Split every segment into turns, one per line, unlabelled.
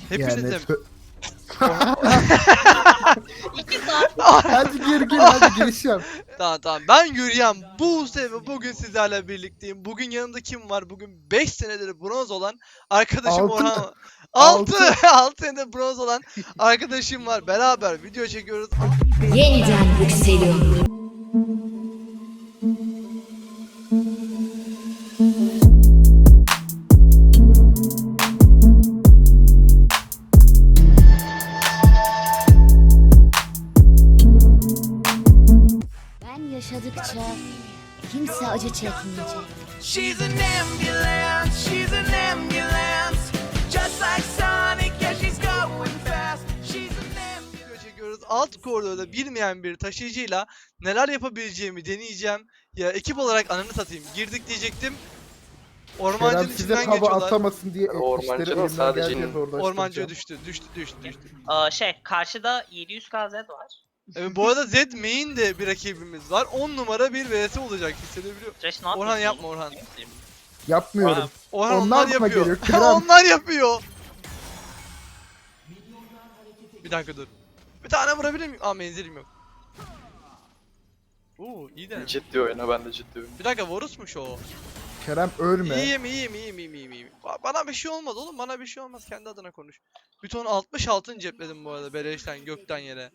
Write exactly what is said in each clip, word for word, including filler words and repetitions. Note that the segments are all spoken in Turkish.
Hepinizim.
Yani,
İki saat.
hadi gir gir hadi giriş yap.
Tamam tamam. Ben Yürüyen Buse ve bugün sizlerle birlikteyim. Bugün yanımda kim var? Bugün beş senedir bronz olan arkadaşım
Altı.
Orhan.
Altı.
altı altı senedir bronz olan arkadaşım var. Beraber video çekiyoruz.
Yeniden yükseliyorum. Ben yaşadıkça kimse acı çekmeyecek.
She's an ambulance, she's an ambulance. Just like Sonic, yeah, she's going fast. She's an ambulance.
Video çekiyoruz. Alt koridorda bilmeyen bir taşıyıcıyla neler yapabileceğimi deneyeceğim. Ya ekip olarak ananı satayım. Girdik diyecektim. Ormancının
Kerem size
içinden
hava
geçiyorlar.
atamasın diye
Ormancının
işleri elimden
sadece
geldiğince zorlaştıracağım.
Ormancıya düştü. Düştü düştü düştü.
Aa, şey karşıda yedi yüz K Z var.
Evet, bu arada Zed main de bir rakibimiz var. on numara bir vs olacak, hissedebiliyor.
Trash ne
Orhan
yapıyorsun
yapma
oğlum?
Orhan.
Yapmıyorum.
Orhan
Onlar
onlar,
mı
yapıyor.
geliyor, Kerem?
Onlar yapıyor. Bir dakika dur. Bir tane vurabilir miyim? Aa menzilim yok. Oo iyi de.
Ciddi oyna, ben de ciddi oyna.
Bir dakika Varus'muş o.
Kerem ölme.
İyiyim iyiyim iyiyim iyiyim iyiyim. iyiyim. Ba- Bana bir şey olmaz oğlum, bana bir şey olmaz, kendi adına konuş. Bir ton altmış altın cepledim bu arada beleşten gökten yere.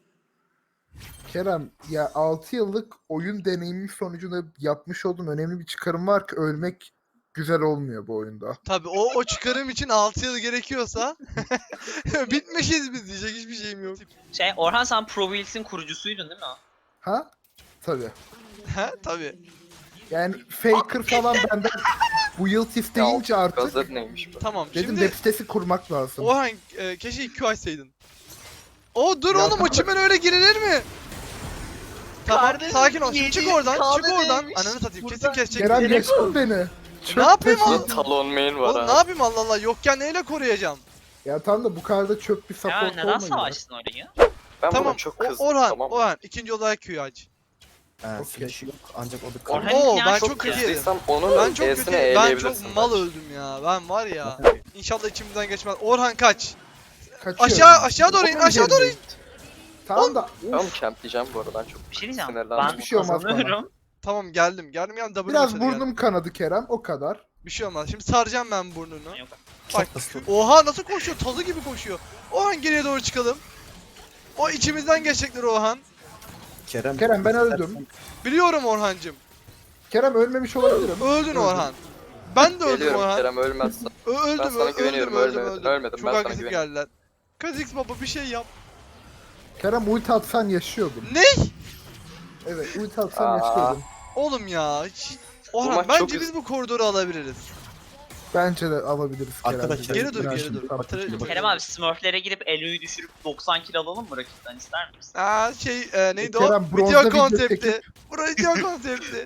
Kerem ya altı yıllık oyun deneyimi sonucunda yapmış olduğum önemli bir çıkarım var ki ölmek güzel olmuyor bu oyunda.
Tabi o o çıkarım için altı yıl gerekiyorsa bitmişiz biz, diyecek hiçbir şeyim yok.
Şey Orhan, sen Pro Wheels'in kurucusuydun değil mi?
Ha? Tabii.
He tabi.
Yani Faker falan benden bu yıl isteyince artık
Gazet neymiş bu?
Tamam
dedim
şimdi
web sitesi kurmak lazım.
Orhan e, keşke iki açsaydın. O dur
Ya
oğlum, o
tamam.
çimen öyle girilir mi? Tamam
Kardeşim,
sakin ol. Şimdi
yedi
çık oradan, çık
kahve
oradan.
neymiş?
Ananı satayım, kesin
Burada-
kesecek.
Kerem
beni.
yaşın beni.
Ne yapayım
taşı-
oğlum?
Talon main var
Oğlum ne
ha.
yapayım, Allah Allah, yokken neyle koruyacağım?
Ya tam da bu kadar da çöp bir
Ya
support
neden
olmayın.
savaştın orayı?
Ben
Tamam
buna çok
o-
kızdım,
Orhan,
tamam mı?
Orhan ikinci olarak Q'yu aç.
Ha,
Okey.
flash yok ancak o da
Orhan-
kaldı.
Oo
ya
ben
çok
çok
Çok
kötü yedim.
kızdıysam onun
Ben çok kötü
E'sine
yedim. Ben
eğleyebilirsin.
çok mal
bence.
öldüm ya. Ben var ya. İnşallah içimizden geçmez. Orhan kaç.
Kaçıyorum.
Aşağı aşağı doğru in,
Onun
aşağı doğru in.
yerindeyim. Tamam da
Ben onu
uf,
campleyeceğim bu arada, ben çok
Bir şey diyeceğim.
sinirlendim.
Ben
Hiçbir şey olmaz bana.
kazanıyorum.
Tamam geldim. Geldim geldim. W
biraz
başladı,
burnum
geldim.
kanadı Kerem o kadar.
Bir şey olmaz. Şimdi saracağım ben burnunu.
Yok.
Bak.
Çok hızlı.
Oha nasıl koşuyor? Tazı gibi koşuyor. Orhan geriye doğru çıkalım. O içimizden geçecekler Orhan.
Kerem,
Kerem, ben öldüm.
Biliyorum Orhancım.
Kerem ölmemiş olabilirim.
Öldün Orhan. Ben de öldüm
Geliyorum
Orhan.
Kerem, ölmezsen.
Ö- öldüm,
Ben sana
öldüm,
güveniyorum,
öldüm,
ölmedin,
öldüm.
ölmedim,
Çok
ben sana
agresif
güveniyorum.
geldiler. Kazix baba bir şey yap.
Kerem ulti atsan yaşıyordum.
Ne?
Evet ulti atsan
Aa.
yaşıyordum.
Oğlum ya. Hiç...
Bu
Orhan
maç
bence
çok
biz
üz-
bu koridoru alabiliriz.
Bence de alabiliriz Kerem.
Arkadaşlar,
Geri dur,
Ben
geri
şimdi
dur.
tam-
Tra-
Kerem abi Smurf'lere girip Elo'yu düşürüp doksan kill alalım mı rakipten, ister misin?
Aa şey e, neydi
Kerem,
o?
bronzda
Video
video
konsepti.
çekip-
Bu video konsepti.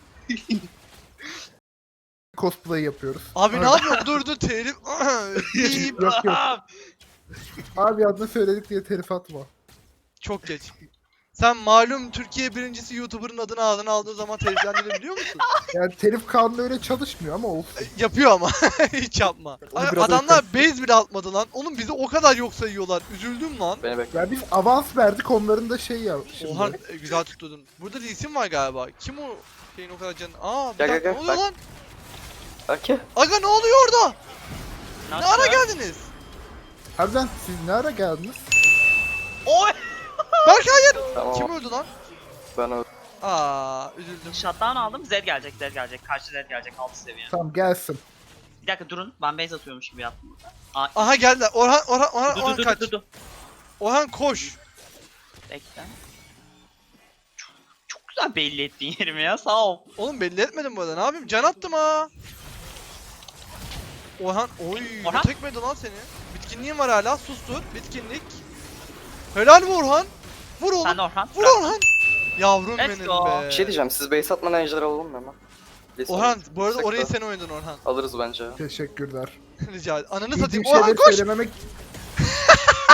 Cosplay yapıyoruz.
Abi ne yapıyorsun? Dur dur telif. Bip.
Yok yok. Abi adını söyledik diye telif atma.
Çok geç. Sen malum Türkiye birincisi YouTuber'ın adını ağzına aldığı zaman teliflendiğini biliyor musun?
Yani telif kanunu öyle çalışmıyor ama olsun.
E, Yapıyor ama. Hiç yapma.
Onu
Ay,
biraz
adamlar base bile atmadı lan. Oğlum bizi o kadar yok sayıyorlar. Üzüldüm lan.
Beni bekle.
Ya biz avans verdik onların da şey ya. Şimdi.
Oha e, güzel tutturdun. Burada bir isim var galiba. Kim o şeyin o kadar canı? Aa bir
Gel,
dakika,
gel,
ne oluyor
gel,
lan?
Belki.
Aga ne oluyor orada? Ne
Nasıl?
ara geldiniz?
Harbiden siz ne ara geldiniz?
Oy!
Berk hayır.
Tamam.
Kim öldü lan?
Ben öldüm.
Aa üzüldüm.
Shutdown aldım. Zed gelecek, Zed gelecek. Karşı Zed gelecek altı seviye.
Tamam gelsin.
Bir dakika durun. Ben base atıyormuş gibi yaptım burada. Aa,
Aha geldiler. Orhan Orhan Orhan,
dur
Orhan
dur
kaç.
dur dur dur.
Orhan koş.
Bekle. Çok, çok güzel belli ettin yerimi ya, sağ ol.
Oğlum belli etmedim bu arada. Ne yapayım? Can attım ha. Orhan oy
Orhan?
tekmedi lan seni. Bitkinliğin var hala. Sustur. Bitkinlik. Helal mi Orhan? Vur oğlum.
Sen de Orhan.
Vur Orhan. Yavrum
Let's
benim
go.
be.
Bir şey diyeceğim, siz base atmadan ejder alalım mı hemen? Lise
Orhan bu arada
Sekte.
orayı sen oynadın Orhan.
Alırız bence.
Teşekkürler.
Rica ederim. Ananı
Bildiğim
satayım. Orhan
şeyleri
koş.
söylememek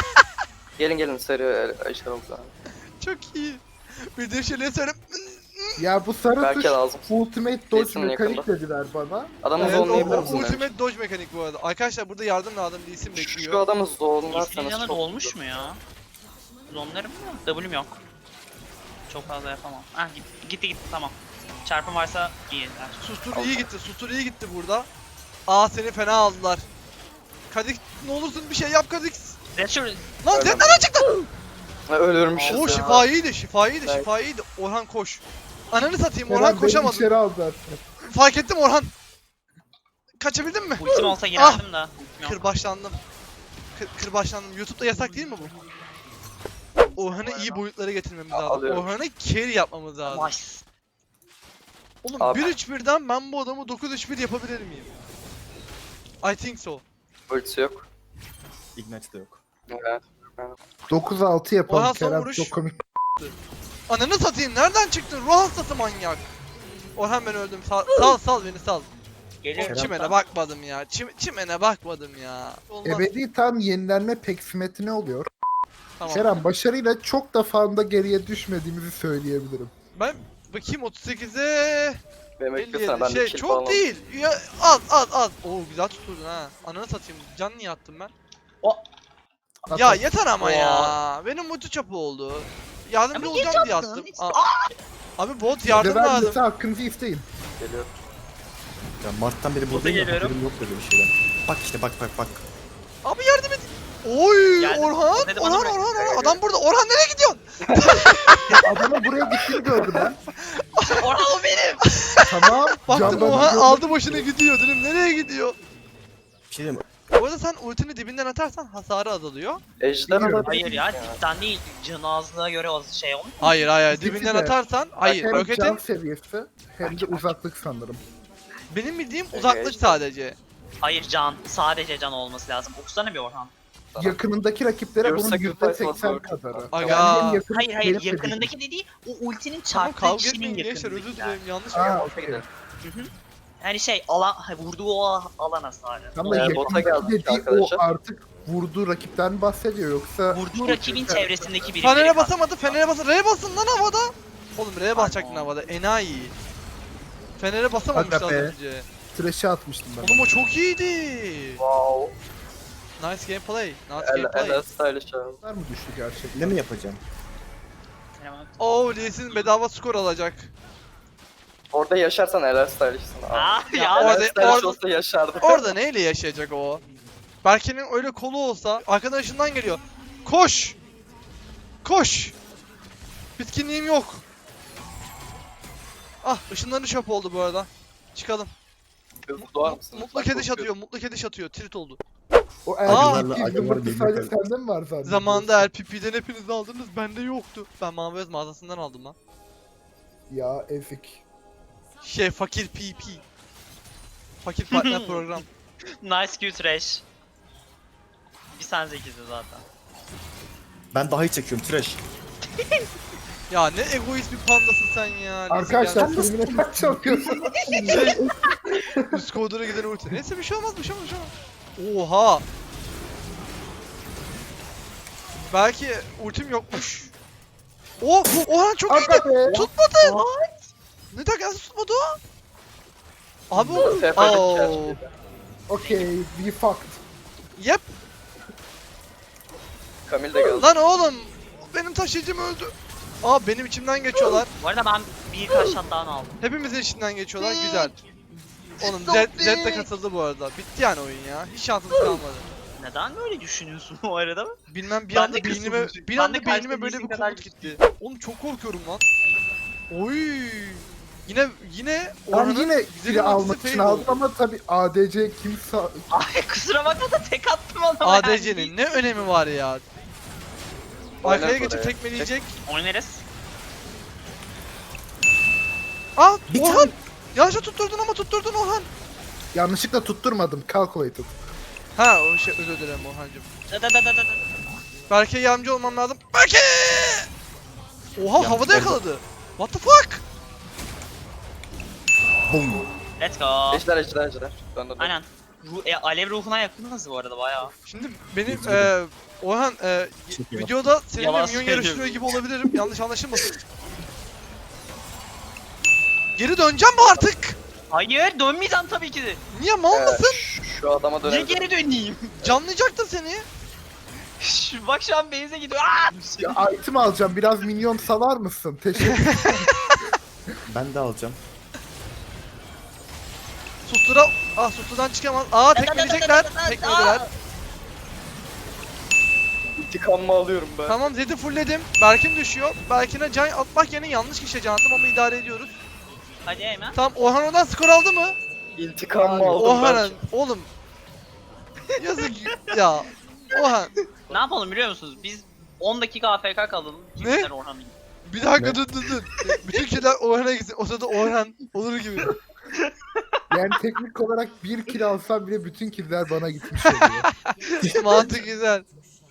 Gelin gelin, seri ejder alalım.
Çok iyi. Bildiğim şeyleri söyle.
Ya bu sarı
Belki
tuş
lazım.
ultimate dodge
Lee'sin
mekanik
yakında.
dediler bana.
Adamı
Evet, o, o
zonlayabilir misin?
ultimate dodge mekanik bu arada. Arkadaşlar burada yardım lazım. Lee Sin
Şu
bekliyor.
adamı zonlarsanız
İsteyeceğine
çok
olmuş
güzel.
mu ya? Zonlarım mı? W'm yok. Çok fazla yapamam. Ah gitti gitti, gitti tamam. Çarpım varsa iyi.
Sustur iyi gitti. Sustur iyi gitti burada. Aa seni fena aldılar. Kadik ne olursun bir şey yap Kadik.
Resul
Lan
Öyle
Zed
mi?
nereden çıktı?
Ha, ölürmüşüz
Oo
ya.
şifa iyiydi, şifa iyiydi,
Ben-
şifa iyiydi. Orhan koş. Ananı satayım
Kerem
Orhan
beni
koşamadı.
içeri aldılar.
Fark ettim Orhan. Kaçabildin mi?
ultim olsa girerdim da. Ultim yok.
Kırbaçlandım. Kır, kırbaçlandım. YouTube'da yasak değil mi bu? Orhan'ı iyi boyutlara getirmemiz lazım.
Alıyorum.
Orhan'ı carry yapmamız lazım.
Nice.
Oğlum
Abi.
bir üç birden ben bu adamı dokuz üç bir yapabilir miyim? I think so.
Ultisi yok.
Ignite de yok.
Evet.
dokuz altı yapalım
Orhan son
Kerem,
vuruş.
çok komik.
Ananı satayım nereden çıktın? Ruh hastası manyak. Orhan ben öldüm. Sal sal, sal beni sal.
Geliyor.
Oğlum, çimene bakmadım ya. Çim çimene bakmadım ya. Olmaz.
Ebedi tam yenilenme peksimetri ne oluyor?
Tamam.
Kerem başarıyla çok da fazla geriye düşmediğimizi söyleyebilirim.
Ben bakayım otuz sekize
Benim
elli
beklesene ben
yedi.
de
Şey
kill
çok
falan
değil. Ya az az az. Oo güzel tuturdun ha. Ananı satayım. Can niye attım ben? Ya
Hatta
yeter ama ya. Benim multi çapı oldu. Yardımcı
Ama niye
olacağım diye
yaptın?
attım.
Hiç-
Aa, abi bot yardım
Level
lazım.
yedi hakkınızı isteyin.
geliyor.
Ya Mart'tan beri buradayım ya
geliyorum.
haberim yok böyle bir şeyden. Bak işte bak bak bak.
Abi yardım et. Oy
Geldim.
Orhan,
Dedi bana
Orhan,
bırak.
Orhan, Orhan. Adam burada. Orhan nereye gidiyorsun?
Adamın buraya gittiğini gördüm ben.
Orhan o benim.
Tamam.
Baktım
camdan
Orhan
gördüm.
aldı başını gidiyor dedim. Nereye gidiyor?
Bir şey diyeyim mi?
Bu arada sen ultini dibinden atarsan hasarı azalıyor.
Ejder
Biliyorum.
alabilir
Hayır ya
miyim
dipten değil. Canı azlığa göre o şey olmuş.
Hayır hayır
İkisi
dibinden
de.
atarsan hayır
Hem
roketin
can seviyesi hem de uzaklık sanırım.
benim bildiğim
Ege,
uzaklık
işte.
sadece.
Hayır can. Sadece can olması lazım. Okusana bir Orhan.
Tamam.
Yakınındaki rakiplere
Your
bunun
sacrifice
yüzde seksen
was worth it.
kadarı.
Aga.
hem yakın-
Hayır hayır
benim
yakınındaki dediği o ultinin
Tamam
çarptığı
kavga
kişinin
etmeyin gençler özür
yakınındakiler.
dilerim yanlış
Aa,
mı?
okey.
Yani şey alan vurduğu o alan hasarı.
Tam da
Ee, bota
yakındaki
geldik
dediği o
arkadaşlar.
artık vurduğu rakipten bahsediyor yoksa
Vurduğu rakibin çevresindeki biri.
Fener'e basamadı Fener'e basın. R'ye basın lan havada. Oğlum R'ye basacaktın
Pardon.
havada enayi. Fener'e basamamış
Aga
az
be.
önce.
trash'e atmıştım ben.
Oğlum o çok iyiydi.
Wow.
Nice gameplay. Nice
El,
gameplay.
el stylish abi.
Var mı düştü gerçekten?
Ne mi yapacağım?
Oo Lee Sin bedava skor alacak.
Orada yaşarsan el stylish'sın abi.
Aa
Ya
ya.
orada-
El stylish
orada-
olsa yaşardı.
Orada neyle yaşayacak o? Berke'nin öyle kolu olsa arkadan ışından geliyor. Koş! Koş! Bitkinliğim yok. Ah ışınları çöp oldu bu arada. Çıkalım.
Hızlı doğar mısın?
Mutlu
lütfen?
kediş
Çok
atıyor, mutlu kediş atıyor. Tilt oldu.
O
Aa!
erkek
Agalarla-
yumurta
agalar
sadece
birbirine
sende mi var zannediyorsun?
Zamanında L P P'den hepiniz aldınız, bende yoktu. Ben Maviöz mağazasından aldım lan.
Ya ezik.
Şey fakir P P. Fakir partner program.
Nice Q trash. Bir sen zekisin zaten.
Ben daha iyi çekiyorum trash.
Ya ne egoist bir pandasın sen ya. Neyse,
Arkadaşlar
gel.
filmine kaç çalıyorsun?
Şey, üst koridora giden ulti. Neyse bir şey olmaz, bir şey olmaz, bir şey olmaz. Oha. Belki ultim yokmuş. Oh, Orhan çok iyiydi.
Aga be.
Tutmadı. Ne tak nasıl tutmadı o? Abi o.
Teferruat
Oh.
gerçekten.
Okay, we fucked.
Yep.
Kamil de geldi.
Lan oğlum. Benim taşıyıcım öldü. Aa benim içimden geçiyorlar.
Bu arada ben birkaç shutdown aldım.
Hepimizin içinden geçiyorlar. Güzel. Oğlum Zed, Zed de katıldı bu arada. Bitti yani oyun ya. Hiç şansımız kalmadı.
Neden böyle düşünüyorsun bu arada?
Bilmem bir
Ben
anda
de
beynime
kısıldım.
bir
Ben
anda
de
beynime
karşıda
böyle bir
değilsin kadar
komut gitti. Oğlum çok korkuyorum lan. Oy. Yine yine
Ben
Orhan'ın
yine
güzel
biri
ultisi
almak
fail
için aldım
oldu.
ama tabi A D C kimse...
Ay kusura bakma da tek attım adama.
A D C'nin ne önemi var ya? Arkaya
Oynar
geçip
oraya.
tekmeleyecek.
Oynarız.
Aa
Bir
Orhan! Yanlışa tutturdun ama tutturdun Orhan.
Yanlışlıkla tutturmadım, calculated.
Ha o şey özür dilerim Orhancığım.
Da da da da da.
Berke'ye yardımcı olmam lazım. Berke! Oha
Yanlış
havada
oldu.
yakaladı. What the fuck?
Boom.
Let's go.
Ejder ejder ejder. Dön dön dön.
Aynen. Ruh, e, alev ruhuna yakınız bu arada bayağı.
Şimdi benim
Üzgünüm.
eee Orhan eee
Çok iyi.
videoda seninle
Yalan
minyon
söylüyorum.
yarıştırıyor gibi olabilirim. Yanlış anlaşılmasın. Geri döneceğim mi artık?
Hayır dönmeyeceğim tabii ki de.
Niye mal
Ee,
mısın?
şu- Şu adama
Niye
dönelim.
geri döneyim?
Canlayacaktım seni.
Şu- Bak şu an base'e gidiyor. Aa!
Ya item alacağım. Biraz minyon salar mısın? Teşekkür
Ben de alacağım.
Sustura... Ah Sustura'dan çıkamaz. Aa tekmeleyecekler. Tekmelediler.
İntikamımı alıyorum ben.
Tamam Zed'i fullledim. Berkin düşüyor. Berkin'e can atmak yerine yanlış kişiye can attım ama idare ediyoruz.
Hadi hemen.
Tamam Orhan oradan skor aldı mı?
İntikamımı aldım
Orhan
ben.
oğlum. Yazık ya. Orhan.
Ne yapalım biliyor musunuz? Biz on dakika A F K kalalım.
Ne?
Kimler Orhan'ın?
Bir dakika
Ne?
dur dur dur. Bütün killer Orhan'a gitsin. O sırada Orhan olur gibi.
Yani teknik olarak bir kill alsam bile bütün killer bana gitmiş oluyor.
Mantık güzel.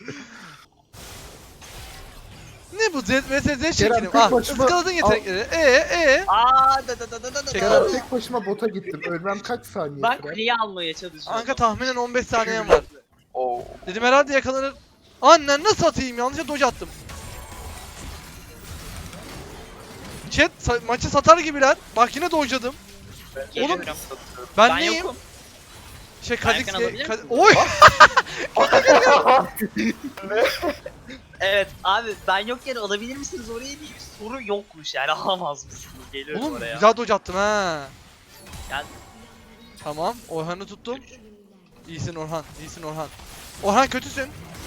Ne bu Z vs Z şeklim?
tek
Ah
başıma-
ıskaladın yetenekleri. Ee ee.
Aa da da da da da da.
Çek
Kerem
abi.
tek başıma bota gittim. Ölmem kaç saniye
Ben
sürer?
kuleyi almaya çalışıyorum.
Anka tahminen on beş saniyem var.
Oo.
Dedim herhalde yakalanır. Annen nasıl atayım? Yanlışa dodge attım. Chat sa- maçı satar gibiler. Bak yine dodge'ladım.
Geliyorum.
Ben,
Ben
neyim?
yokum.
Şey
Ben
Kha'Zix
yakın alabilir
Kad-
misin?
Oy!
Evet abi ben yokken alabilir misiniz oraya diye bir soru yokmuş yani alamaz mısınız? Geliyorum
Oğlum
oraya.
güzel dodge attım ha.
Gel.
Tamam. Orhan'ı tuttum. İyisin Orhan. İyisin Orhan. Orhan kötüsün.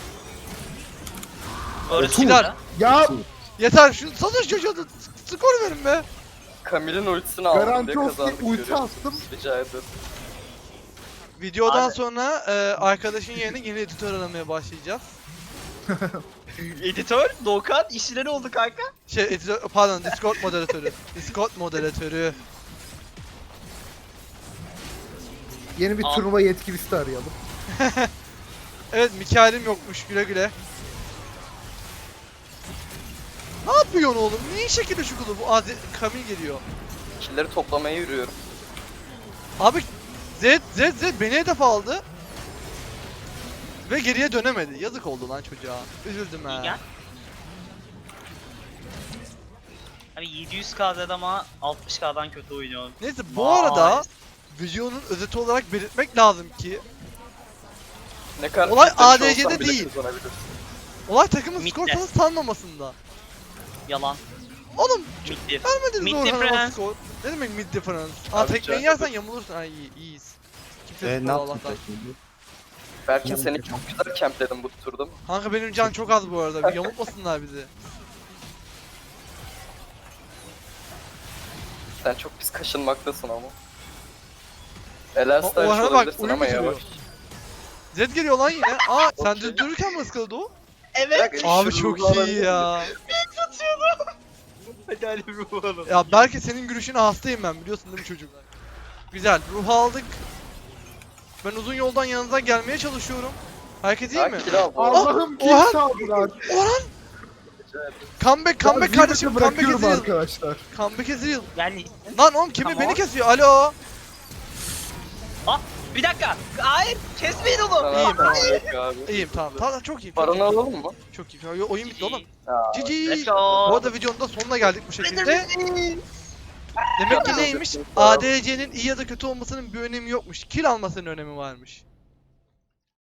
Orası
Gider.
da.
Ya
Yeter şu satış çocuğa da skor verin be.
Camille'in ultisini aldım
Garanti
diye
olsun
kazandık.
ulti
görüyor musun?
attım.
Rica ederim.
Videodan
Abi.
sonra e, arkadaşın yerine yeni editör aramaya başlayacağız.
Editör, Doğukan işleri oldu kanka.
Şey editör, pardon Discord moderatörü. Discord moderatörü.
Yeni bir
Al.
turnuva yetkilisi arayalım.
Evet Mikael'im yokmuş güle güle. Ne yapıyorsun oğlum? Niye şekilde şu kulu? Bu Azi Kamil geliyor.
Killleri toplamaya yürüyorum.
Abi Zed Zed Zed beni hedef aldı. Ve geriye dönemedi. Yazık oldu lan çocuğa. Üzüldüm
İyi
ha.
gel. Abi yedi yüz K ama altmış K'dan kötü oynuyor.
Neyse bu
Vay.
arada videonun özeti olarak belirtmek lazım ki
Ne kadar
Olay
kitlemiş
A D C'de
olsam bile
değil.
kazanabilirsin.
olay takımın
Mid'de.
skor falan sanmamasında.
Yalan.
Oğlum
Mid diff.
vermediniz
Mid
Orhan'a
difference.
skor. Ne demek mid difference? Aa
Abi
tekmeyi
can-
yersen yamulursun. Ay iyi, iyiyiz. Kimse
Ee,
tutmadı
ne yaptın
Allah'tan.
şimdi?
Berkin
Ne
seni
yapacağım?
çok güzel campledim bu turda.
Kanka benim can çok az bu arada. Bir yamultmasınlar bizi.
Sen çok pis kaşınmaktasın ama. Elen
O-
Stylish
Orhan'a bak,
olabilirsin
uyum
ama
getiriyor.
yavaş.
Zed geliyor lan yine. Aa sen
Okey.
düz dururken mi ıskaladı o?
Evet.
Abi
Şu
çok
ruhlar
iyi ya.
Hadi hadi bir bulalım.
Ya belki senin gülüşüne hastayım ben biliyorsun değil mi çocuk? Güzel. Ruh aldık. Ben uzun yoldan yanınıza gelmeye çalışıyorum. Herkes iyi mi?
Ha, kill aldı.
Allah'ım kim
Orhan!
çaldılar?
Orhan! Comeback, comeback
Ya,
kardeşim,
Zirvete
comeback
bırakıyorum
is real.
arkadaşlar.
Comeback is real.
Yani
Lan oğlum kimi
Tamam.
beni kesiyor? Alo.
ah bir dakika. Hayır kesmeyin onu.
Sana
İyiyim,
tamam,
tamam.
yok abi.
İyiyim tamam. Tamam çok iyiyim. Çok
Paranı
iyiyim.
alalım mı?
Çok iyi. Yo- Oyun bitti oğlum.
Ya,
Cici.
Let's go.
Bu arada videonun da sonuna geldik bu şekilde. Demek ki
Ya,
neymiş?
ya.
A D C'nin iyi ya da kötü olmasının bir önemi yokmuş. Kill almasının önemi varmış.